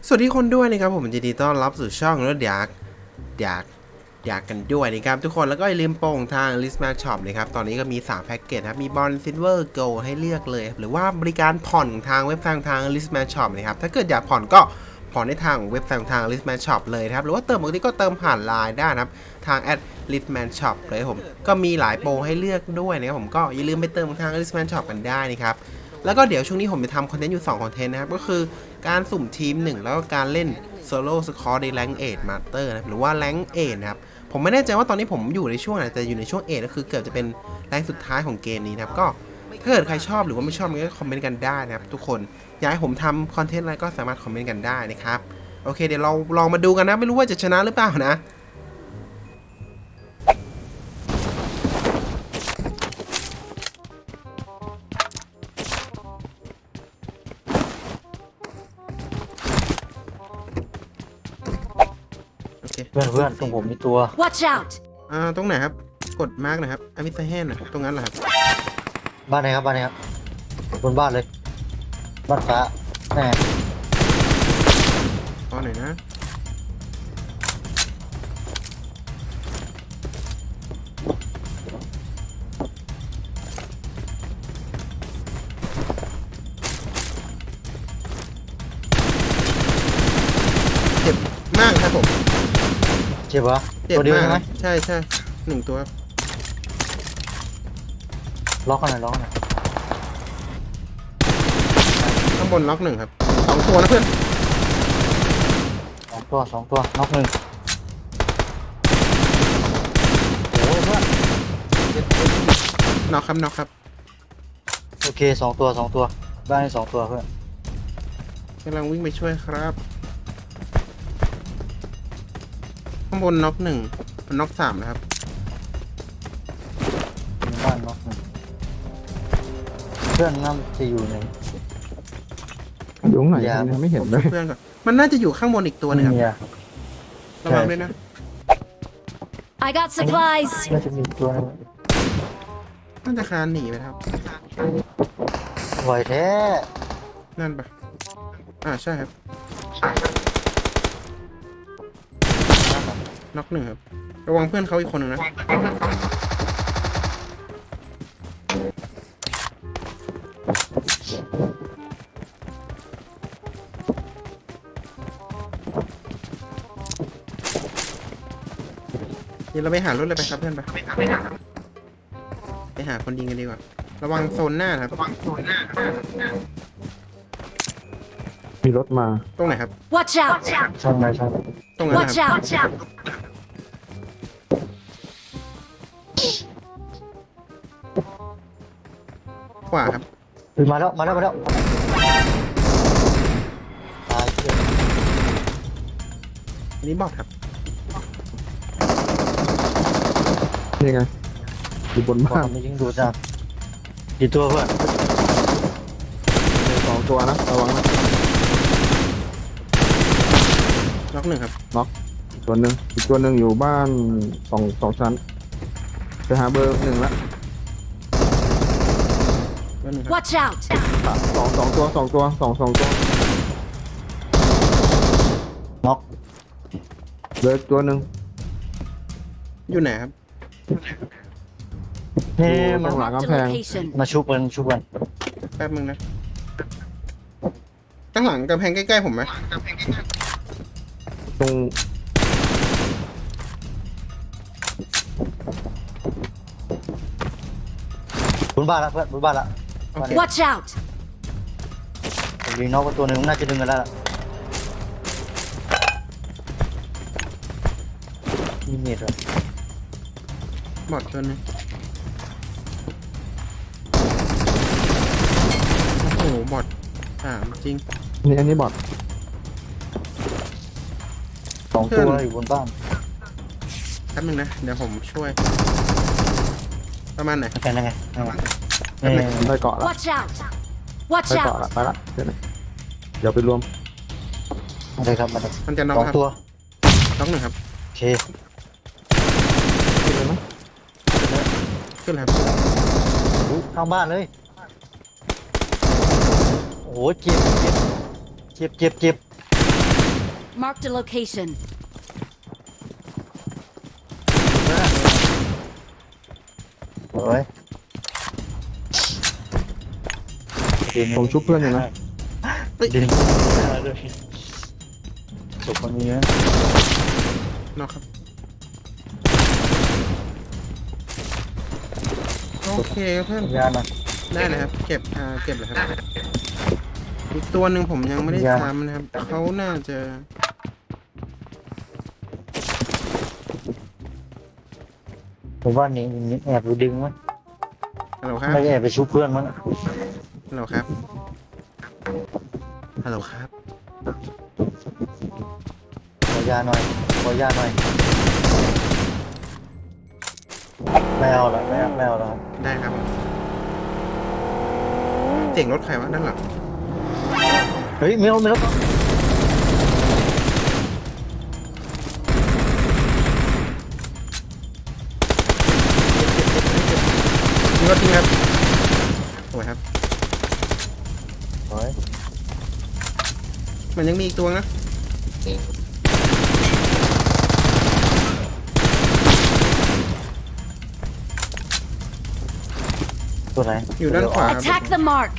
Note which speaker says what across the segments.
Speaker 1: สวัสดีคนด้วยนะครับผมยินดีต้อนรับสู่ช่องรถอยากกันด้วยนะครับทุกคนแล้วก็อย่าลืมโป่งทาง Listman Shop นะครับตอนนี้ก็มี3แพ็กเกจครับมีบอลซิลเวอร์โกลให้เลือกเลยหรือว่าบริการผ่อนทางเว็บไซต์ทาง Listman Shop นะครับถ้าเกิดอยากผ่อนก็ผ่อนได้ทางเว็บไซต์ทาง Listman Shop เลยครับหรือว่าเติมปกติก็เติมผ่านไลน์ได้นะครับทาง @Listman Shop เลยผมก็มีหลายโปรให้เลือกด้วยนะครับผมก็อย่าลืมไปเติมทาง Listman Shop กันได้นะครับแล้วก็เดี๋ยวช่วงนี้ผมจะทำคอนเทนต์อยู่2คอนเทนต์นะครับก็คือการสุ่มทีม1แล้วก็การเล่นโซโล่สคอร์ในแรงเอทมาสเตอร์นะหรือว่าแรงเอทนะครับผมไม่แน่ใจว่าตอนนี้ผมอยู่ในช่วงไหนแต่อยู่ในช่วงเอทก็คือเกือบจะเป็นแรงสุดท้ายของเกมนี้นะครับก็ถ้าเกิดใครชอบหรือว่าไม่ชอบก็คอมเมนต์กันได้นะครับทุกคนอยากให้ผมทำคอนเทนต์อะไรก็สามารถคอมเมนต์กันได้นะครับโอเคเดี๋ยวเราลองมาดูกันนะไม่รู้ว่าจะชนะหรือเปล่านะ
Speaker 2: เพื่อนตรงผมมีตัว
Speaker 3: Watch out
Speaker 1: ตรงไหนครับกดมาร์กนะครับอมิสแฮนนะตรงนั้นเหรอครับ
Speaker 2: บ้านไหนครับบนบ้านเลยบ้านฟ้าแน่
Speaker 1: ตอนไหนนะเจ็บมากครับผม
Speaker 2: เจ็บปะ
Speaker 1: เจ็บ
Speaker 2: ตัวเดียว
Speaker 1: มาก
Speaker 2: ใช่ไหม
Speaker 1: ใช่1ตัว
Speaker 2: ล็อกกันหน่อย
Speaker 1: ข้างบนล็อก1ครับ2ตัวนะเพื่อน
Speaker 2: สองตัวน็อกหนึ่งโอ้ยเพื่อน
Speaker 1: น็อกครับ
Speaker 2: โอเคสองตัวบ้านนี้2ตัวเพื่อน
Speaker 1: กำลังวิ่งไปช่วยครับข้างบนน็อก1มันน็อก3นะครับ
Speaker 2: บ้านน็อกหนึ่งเพื่อนน่าจะอยู่ใน
Speaker 4: อยู่ไหนยังไม่เห็นเลย
Speaker 1: เพื่อนก่อนมันน่าจะอยู่ข้างบนอีกตัวนึงครับ
Speaker 2: เนี่ย
Speaker 1: ระวังด้วยนะ
Speaker 3: I got supplies
Speaker 2: น่าจะมีตัวนึง
Speaker 1: น่าจะคานหนีไปครับ
Speaker 2: ไหวแท้
Speaker 1: นั่นปะใช่ครับน็อก1ครับระวังเพื่อนเขาอีกคนนึงนะเดี๋ยวเราไปหารถเลยไปครับเพื่อนไปหาคนยิงกันดีกว่าระวังโซนหน้าครับ
Speaker 4: มีรถมา
Speaker 1: ตรงไหนครับ
Speaker 3: Watch out
Speaker 2: ใช่ไหม
Speaker 1: ตรงนั้นนะ
Speaker 3: Watch
Speaker 1: ครับ
Speaker 3: out
Speaker 1: ขวาครับ
Speaker 2: มาแล้วตายเพื่อน
Speaker 1: อันนี้บอทครับ
Speaker 4: นี่ไงอยู่บน
Speaker 2: บอก
Speaker 4: บ้าน
Speaker 2: ไม่ยิงดูจ้ะกี่ตัวเพื่อน
Speaker 4: มี2 ตัวนะระวังนะ
Speaker 1: น็อก1ครับ
Speaker 4: อีกตัวหนึ่งอยู่บ้านสองชั้นไปหาเบอร์1ละ
Speaker 1: น็อก1ครับ
Speaker 3: Watch out
Speaker 4: สองตัว
Speaker 2: น็อก
Speaker 4: เบอร์ตัวหนึ่ง
Speaker 1: อยู่ไหนครับ
Speaker 2: เฮ้มั
Speaker 4: ข้าน งหลัง
Speaker 3: Marked
Speaker 4: กำแพ
Speaker 3: a
Speaker 4: ง
Speaker 3: location
Speaker 2: มาชุบกัน
Speaker 1: แป๊บนึงนะตั้งหลังกำแพงใกล้ๆผมไหม
Speaker 4: ตรง
Speaker 2: บนบ้านละเพื่อนบนบ้านละ
Speaker 1: โอเค
Speaker 3: Watch out
Speaker 2: ผมยิงน็อกไปตัวหนึ่งน่าจะดึงกันแล้วล่ะมีเน็ตเหรอบ
Speaker 1: อทตัวนึงโอ้โหบอทจริง
Speaker 4: นี่อันนี้บอท
Speaker 2: 2 ตัวอยู่บนบ้าน
Speaker 1: แป๊บนึงนะเดี๋ยวผมช่วย ประมาณไหน
Speaker 2: เป็นยังไง
Speaker 4: ได้เกาะละ
Speaker 3: Watch out Watch
Speaker 4: ได้เกาะ
Speaker 3: out
Speaker 4: ละไปละเดี๋ยวไปรวม
Speaker 2: อะไรครับมาเลย
Speaker 1: มันจะน็อก
Speaker 2: 2
Speaker 1: ครับ
Speaker 2: ตัว
Speaker 1: น็อก1ครับ
Speaker 2: โอเค
Speaker 4: ขึ้นเลยไหม
Speaker 1: ขึ้นแล้วครับ
Speaker 2: ข้างบ้านเลยโอ้โหเจ็บ
Speaker 3: Marked a location.
Speaker 2: โอ้ย
Speaker 4: ผมชุบเพื่อนอยู่นะ
Speaker 2: ดินศพคนนี้นะ
Speaker 1: นอกครับโอเคครับเพื่อน
Speaker 2: ยานะ
Speaker 1: ได้เลยครับเก็บเก็บเลยครับอีกตัวหนึ่งผมยังไม่ได้ทำนะครับเขาน่าจะ
Speaker 2: ผมว่านี่แอบดูดึงมั้ย
Speaker 1: ฮัลโหลครับ
Speaker 2: ไม่ได้แอบไปชุบเพื่อนมั้ง
Speaker 1: ฮัลโหลครับฮัลโหลครับ
Speaker 2: ขอยาหน่อยขอยาหน่อยไม่เอาละไม่เอาละ
Speaker 1: ได้ครับเสียงรถใครวะด้านหลัง
Speaker 2: เฮ้ยไม่เอา
Speaker 1: มีรถจริงครับโอ้ยครับ
Speaker 2: โอ้ย
Speaker 1: มันยังมีอีกตัวนะ
Speaker 2: ตัวไหน
Speaker 1: อยู่ด้านขวาครับ
Speaker 3: Attack the mark.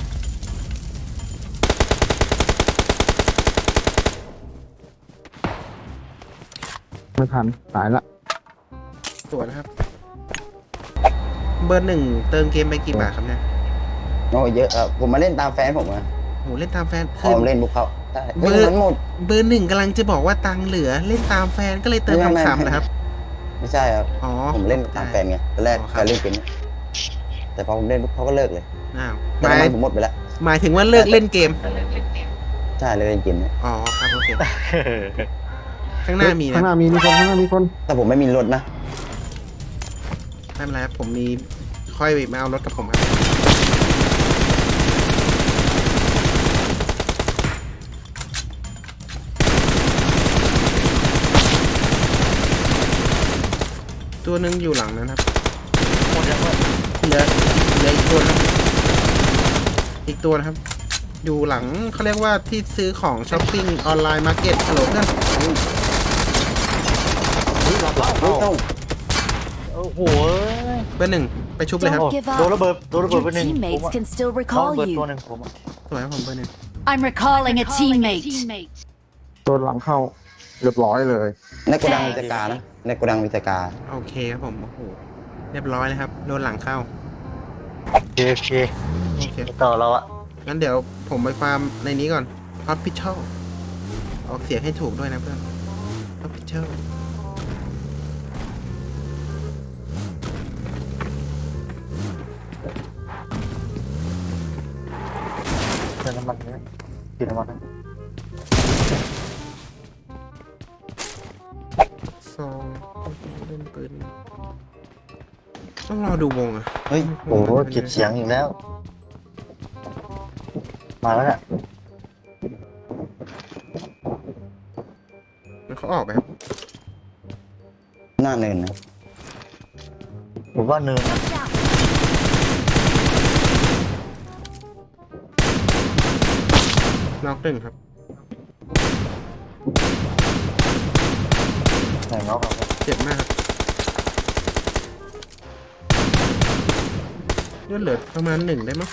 Speaker 4: ไม่ทันตายละ
Speaker 1: ตัวนะครับ เบอร์หนึ่งเติมเกมไปกี่บาทครับเนี่ย
Speaker 5: โอ้เยอะครับผมมาเล่นตามแฟนผมอะ
Speaker 1: โหเล่นตามแฟน
Speaker 5: พ
Speaker 1: คือ
Speaker 5: อเล่นบุกเขาใช่
Speaker 1: เบอร์
Speaker 5: เฮ้ยมันหมด
Speaker 1: เบอร์หนึ่งกำลังจะบอกว่าตังค์เหลือเล่นตามแฟนก็เลยเติม
Speaker 5: ไม่
Speaker 1: คำๆนะครับ
Speaker 5: ไม่ใช่ครับ
Speaker 1: อ๋อ
Speaker 5: ผมเล่นตามแฟนไงตอนแรก
Speaker 1: อ๋อค
Speaker 5: แฟ
Speaker 1: รับ
Speaker 5: นเล่นเป็นแต่พอผมเล่นปุ๊บเขาก็เลิกเลย
Speaker 1: อ้าวห
Speaker 5: แต่
Speaker 1: มาย
Speaker 5: น้ำมันผมหมดไปแล้ว
Speaker 1: หมายถึงว่าเลิกเล่นเกม
Speaker 5: ใช่เลยเล่นเกมเนี่ย
Speaker 1: อ๋อครับโอเค ข้างหน้ามี
Speaker 4: ข้าง
Speaker 1: นะ
Speaker 4: หน้ามีคนข้างหน้ามีคน
Speaker 5: แต่ผมไม่มีรถนะ
Speaker 1: ไม่เป็นไรครับผมมีค่อยมาเอารถกับผมครับตัวหนึงอยู่หลังนะครับ
Speaker 2: หมดยังวะ
Speaker 1: เหลืออีกตัวนะครับอีกตัวนะครับ อยู่หลังเขาเรียกว่าที่ซื้อของช้อปปิ้งออนไลน์มาร์เก็ตฮัลโหลเพื่อน
Speaker 5: เฮ้ยต้อง
Speaker 2: โอ้โห
Speaker 1: เบอร์หนึ่งไปชุบเลยครับ
Speaker 3: Don't give
Speaker 2: โดน
Speaker 3: up.
Speaker 2: ระเบิดไป
Speaker 3: Your
Speaker 2: หนึ่ง
Speaker 3: teammates can still
Speaker 2: เขา
Speaker 3: recall
Speaker 2: ระเบิดตัว
Speaker 3: you.
Speaker 2: หนึ่งผม
Speaker 1: สวยครับผมเบอร์หนึ่ง
Speaker 3: I'm recalling a teammate.
Speaker 4: ตัวหลังเข้าเรียบร้อยเลย
Speaker 5: ในโกดังวิจการนะในโกดังวิจการ
Speaker 1: โอเคครับผมโอ้โหเรียบร้อยเลยครับโดนหลังเข้า
Speaker 2: โอเค
Speaker 1: โอเค
Speaker 2: ต่อเราอะ
Speaker 1: งั้นเดี๋ยวผมไปฟาร์มในนี้ก่อน Hospital ออกเสียงให้ถูกด้วยนะเพื่อน Hospital
Speaker 2: เติมน้ำมันเนี่ยกินน้ำมันนะ
Speaker 1: ซองเล่นปืนต้องรอดูวงอะ
Speaker 5: เฮ้ย
Speaker 2: โอ้โหเก็บเสียงอีกแล้ว มาแล้วเนี่ย
Speaker 1: มันเขาออกไหมครับ
Speaker 5: หน้าเนินนะ
Speaker 2: ผมว่าเนิน
Speaker 3: Watch out.
Speaker 1: น็อกหนึ่งครับ
Speaker 2: ไหนเงาครับ
Speaker 1: เจ็บมากครับเลือดเหลือประมาณหนึ่งได้มั้ง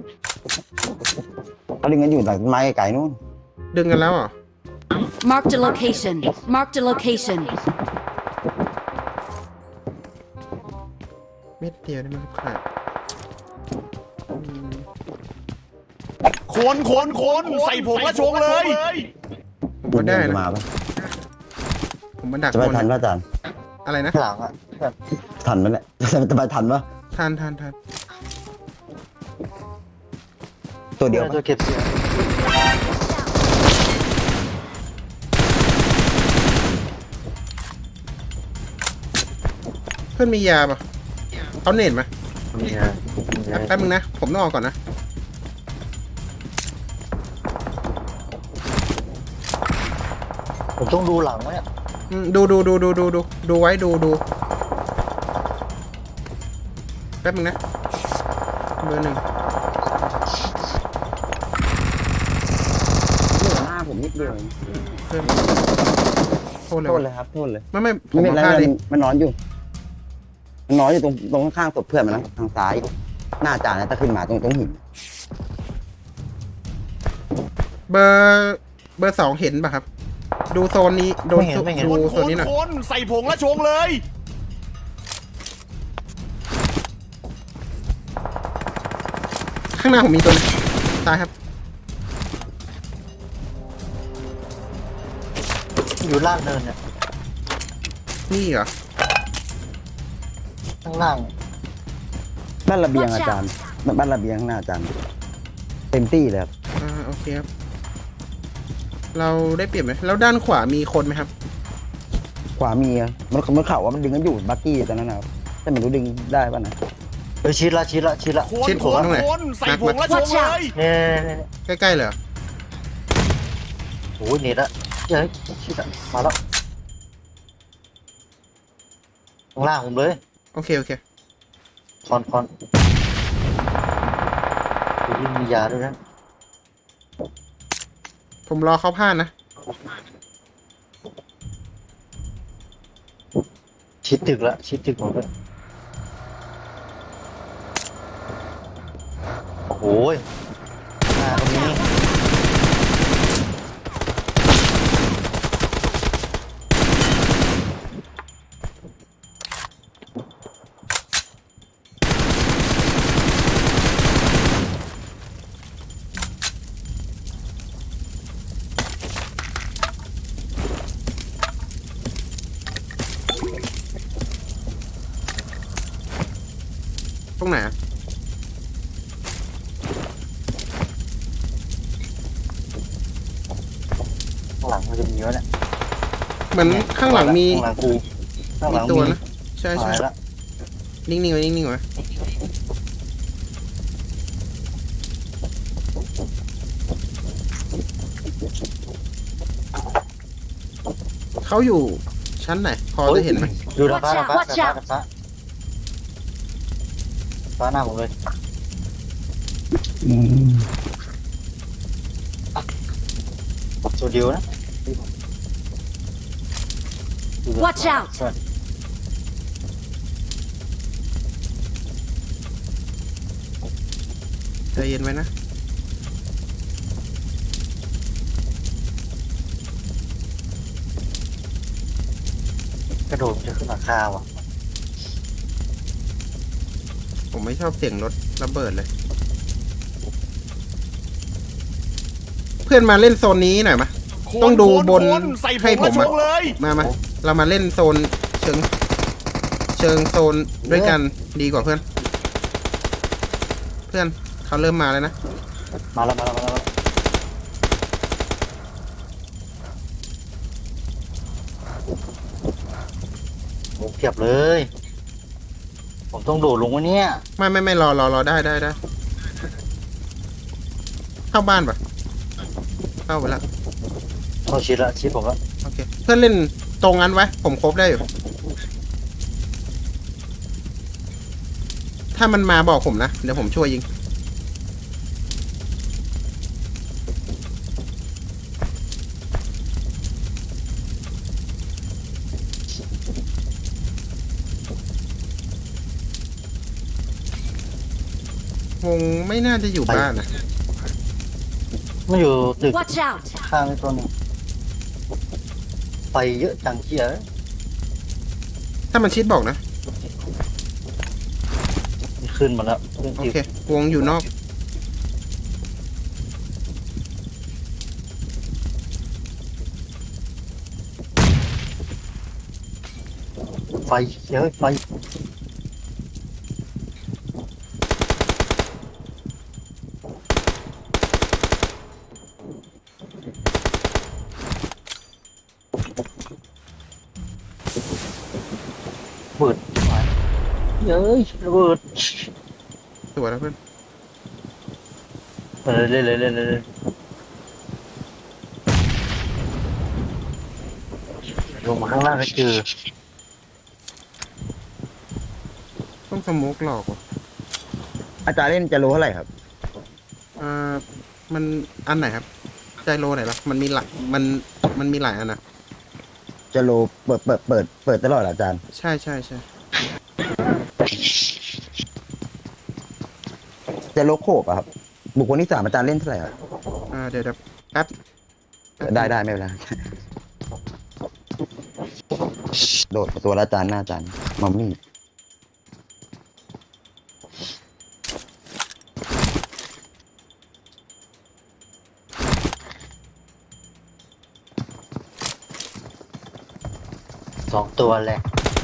Speaker 5: เขาดึงกันอยู่หลังต้นไม้ไกลๆนู่น
Speaker 1: ดึงกันแล้วเหรอ
Speaker 3: Marked a location. Marked a location.
Speaker 1: เม็ดเดียวได้ไหมครับขาดอืม
Speaker 6: คนใส่ผงและชงเลย
Speaker 1: ผมว่าได้
Speaker 5: จะ
Speaker 1: นะ
Speaker 5: มาปะ
Speaker 1: ผมมาดัก
Speaker 5: จะไป
Speaker 1: บน
Speaker 5: ทัน
Speaker 1: นะ
Speaker 5: ปะอาจารย์
Speaker 1: อะไรนะ
Speaker 2: หลังอะแบบ
Speaker 5: ทันไหมเนี่ย จะไปทันปะ
Speaker 1: ทัน
Speaker 5: ตัวเดียว
Speaker 2: จะ
Speaker 5: ปะ
Speaker 2: เก็บเสียง
Speaker 1: เพื่อนมียาปะเอาเน็ตมา
Speaker 2: นี่ไง
Speaker 1: แป๊บนึงนะ ผมต้องออกก่อนนะ
Speaker 2: ผมต้องดูหลังไหมเนี่ย
Speaker 1: ดูไว้ดูแป๊บนึงนะ เบอร์หนึ่ง
Speaker 5: อยู่หน้าผมนิดเดียว
Speaker 1: เพื่อนโทษเลย
Speaker 5: โทษ
Speaker 1: วะ
Speaker 5: เลยครับโทษเลย
Speaker 1: ไม่ผม
Speaker 5: ไม่เป็น
Speaker 1: เอา
Speaker 5: ไร
Speaker 1: ผ้าดิ
Speaker 5: มันนอนอยู่มันนอนอยู่ตรงข้างๆศพเพื่อนมันนะทางซ้าย หน้าจานนะถ้าขึ้นมาตรงหิน
Speaker 1: เบอร์ 2เห็นป่ะครับ ดูโซนนี้ดู
Speaker 2: ไม่เห็น
Speaker 1: ดู
Speaker 6: คน
Speaker 1: โซนนี้หน่อย
Speaker 6: คนใส่ผงและชงเลย
Speaker 1: ข้างหน้าผมมีตัวนึงตายครับ
Speaker 2: อยู่ล่างเนินเนี่ย
Speaker 1: นี่เหรอ
Speaker 2: ข้างล่าง
Speaker 5: บ้านระเบียงอาจารย์บ้านระเบียงข้างหน้าอาจารย์ เต็มที่เลยครับ
Speaker 1: โอเคครับ เราได้เปรียบไหมแล้วด้านขวามีคนไหมครับ
Speaker 5: ขวามีอะมันเข่าว่ามันดึงกันอยู่บักกี้ตอนนั้นนะครับแต่ไม่รู้ดึงได้ป่ะนะ
Speaker 2: ชิดละ
Speaker 6: คน
Speaker 1: ชิด
Speaker 6: ค
Speaker 1: ผม
Speaker 6: น
Speaker 1: ตรงไหน
Speaker 6: คนใส่ผงและชง
Speaker 3: Watch
Speaker 6: เล
Speaker 3: out
Speaker 6: ย
Speaker 2: เนี่ย
Speaker 1: ใกล้ๆเลยเหรอ
Speaker 2: โอ้ยเน็ตละเฮ้ยชิดละมาแล้วข้างล่างผมเลย
Speaker 1: โอเค
Speaker 2: คอนดูมียาด้วยนะ
Speaker 1: ผมรอเขาผ่านนะ
Speaker 2: ชิดตึกละชิดตึกผมเลยโอ้ยหน้าตรงนี้
Speaker 1: ตรงไหนอะ
Speaker 2: ข้างหลังมันจะมีวะเนี่ย
Speaker 1: เหมือนข้างหลังมี
Speaker 2: ข้างหลังกูข้างหลัง
Speaker 1: ตัว
Speaker 2: มี
Speaker 1: นะ ใช่
Speaker 2: หายละ
Speaker 1: นิ่งๆไว้นิ่งๆไว้เขาอยู่ชั้นไหน พอจะเห็นไหม
Speaker 2: ดูดาฟ้า
Speaker 3: Watch out
Speaker 2: ฟ้าหน้าผมเลยตัวเดียวนะ
Speaker 3: Watch out
Speaker 1: ใจเย็นไว้นะ
Speaker 2: กระโดดจะขึ้นหลังคาว่ะ
Speaker 1: ผมไม่ชอบเสียงรถระเบิดเลย เพื่อนมาเล่นโซนนี้หน่อยมะ ต้องดูบน
Speaker 6: คนใส่ผ
Speaker 1: ให้
Speaker 6: ง
Speaker 1: ผ
Speaker 6: และ
Speaker 1: ม
Speaker 6: ช
Speaker 1: อะ
Speaker 6: งเลย
Speaker 1: มาเรามาเล่นโซนเชิงโซนด้วยกันดีกว่าเพื่อน เพื่อนเขาเริ่มมาแล้วนะ
Speaker 2: มาแล้วโอ้เพียบเลย ผมต้องโดดลงวะเนี่ย
Speaker 1: ไม่รอได้เข้าบ้านปะเข้าไปแล้ว
Speaker 2: เข้าชิดละชิดผมละ
Speaker 1: โอเค เพื่อนเล่นตรงนั้นไว้ ผมครบได้อยู่ ถ้ามันมาบอกผมนะ เดี๋ยวผมช่วยยิง วงไม่น่าจะอยู่บ้านนะ
Speaker 2: มันอยู่ตึก
Speaker 3: Watch out
Speaker 2: ข้างไอ้ตัวนึงไปเยอะจังเชีย
Speaker 1: ถ้ามันชิดบอกนะ
Speaker 2: ขึ้นมาแล้วขึ้น
Speaker 1: โอ
Speaker 2: ตึก
Speaker 1: เค วงอยู่นอก
Speaker 2: ไฟเยอะไฟเบิดเย้ยระเบิด
Speaker 1: สวยแล้วเพื่อน
Speaker 2: เลยลงมาข้างล่างก็เจอ
Speaker 1: ต้องสโมกหลอกว่ะ
Speaker 5: อาจารย์เล่นจะรู้เท่าไหร่ครับ
Speaker 1: มันอันไหนครับใจโลไหนล่ะมันมีหลายมันมีหลายอันนะ
Speaker 5: จะโลเปิดตลอดเหรออาจารย์
Speaker 1: ใช่ใช่ใช่
Speaker 5: จะโลโคบอะครับ บุคคลที่สามอาจารย์เล่นเท่าไหร่ครับ
Speaker 1: เดี๋ยวแป๊บ
Speaker 5: ได้ไม่เป็นไรโดดตัวละอาจารย์หน้าอาจารย์มัมมี่
Speaker 2: 2 ตัวเลย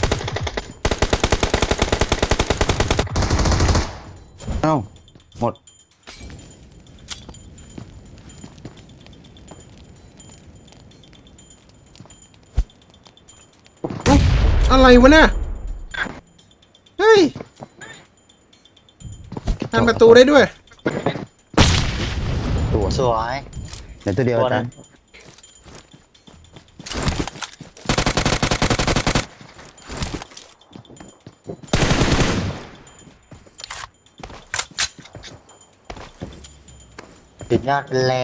Speaker 5: เอ้าหมด
Speaker 1: อะไรวะเนี่ยเฮ้ยทันประตูได้ด้วย
Speaker 5: ตัว
Speaker 2: สวย
Speaker 5: เดี๋ยวตัวเดียวอาจารย์
Speaker 2: ติดยอดแรง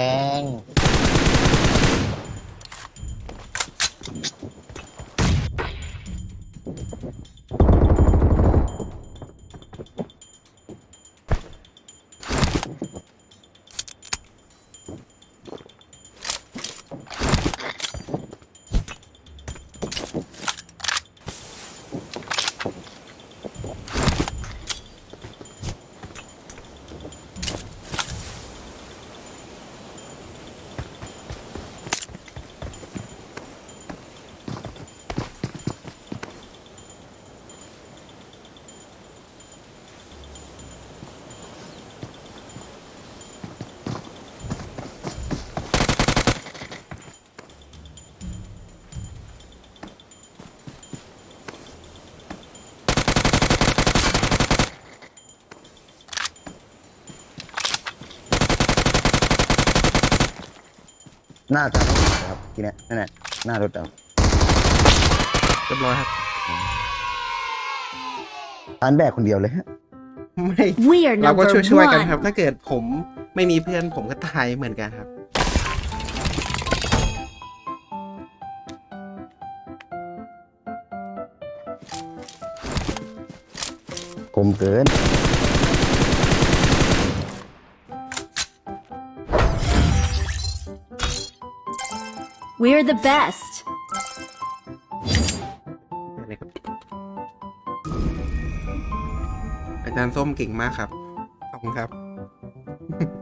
Speaker 5: หน้าอาจารย์ครับทีเนี้ยนั่นแหละหน้ารถเอา
Speaker 1: เรียบร้อยครับ
Speaker 5: อาจารย์แบกคนเดียวเลยฮะ
Speaker 1: ไม่
Speaker 3: We are
Speaker 1: เราก็
Speaker 3: number
Speaker 1: ช่วยๆกัน
Speaker 3: one.
Speaker 1: ครับ ถ้าเกิดผมไม่มีเพื่อนผมก็ตายเหมือนกันครับ
Speaker 5: คมเกิน
Speaker 3: We're the best.
Speaker 1: อะไรครับอาจารย์ส้มเก่งมากครับ ขอบคุณครับ